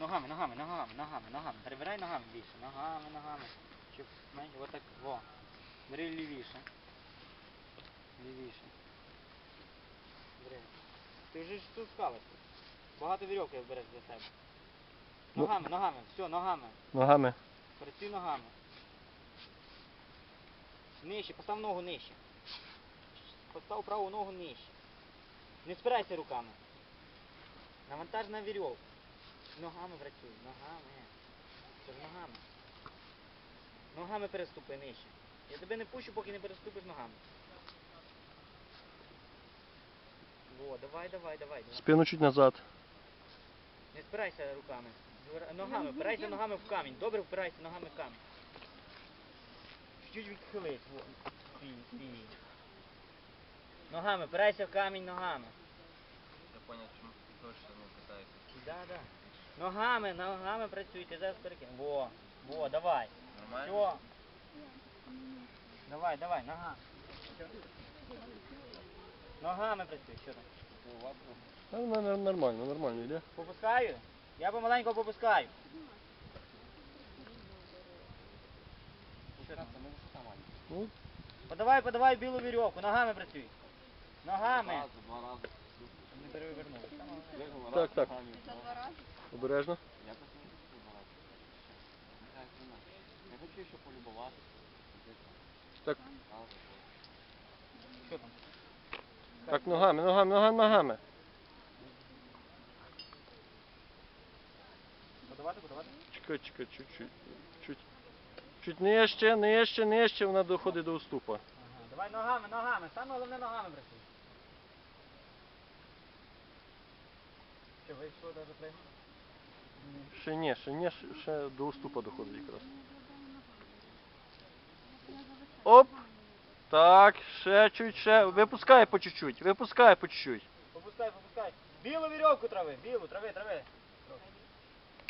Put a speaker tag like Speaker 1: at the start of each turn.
Speaker 1: Ногами, ногами, ногами, ногами, ногами. Перебирай ногами більше. Ногами, ногами. Щоб менше. Отак. Во. Бери лівіше. Лівіше. Бери. Ти вже ж тут скалиш. Багато вірьовки береш для себе. Ногами, ногами. Все, ногами.
Speaker 2: Ногами.
Speaker 1: Працюй ногами. Нижче, постав ногу нижче. Постав праву ногу нижче. Не спирайся руками. Навантаж на вірьовку. Ногами працюй, ногами. Це ж ногами. Ногами переступи нижче. Я тебе не пущу, поки не переступиш ногами. Во, давай, давай, давай.
Speaker 2: Спину чуть назад.
Speaker 1: Не спирайся руками. Ногами, впирайся ногами в камінь. Добре впирайся ногами в камінь. Чуть відхились. Свій. Ногами, впирайся в камінь ногами.
Speaker 3: Я понял, чому ти точно не питаєшся.
Speaker 1: Да. Ногами, ногами працюйте, зараз перекинь. Во, давай.
Speaker 3: Нормально?
Speaker 1: Все. Давай, нога. Ногами працюй, що там?
Speaker 2: Нормально йде.
Speaker 1: Попускаю? Я помаленько попускаю. Що там?
Speaker 2: Ну,
Speaker 1: Подавай білу вірьовку, ногами працюй. Ногами.
Speaker 3: Два рази.
Speaker 1: Не перевернув.
Speaker 2: Так. Обережно.
Speaker 3: Я просто не хочу багато. Я хочу ще полюбувати.
Speaker 2: Так.
Speaker 1: Що там?
Speaker 2: Так, ногами.
Speaker 1: Подавати?
Speaker 2: Чекай, чуть. Чуть нижче, вона доходить до уступа.
Speaker 1: Ага. Давай ногами. Саме головне ногами працюй. Що, вийшло навіть пригнути?
Speaker 2: Ще до уступа доходить якраз. Оп! Так, ще. Випускай по чуть-чуть.
Speaker 1: Попускай. Білу вірьовку трави.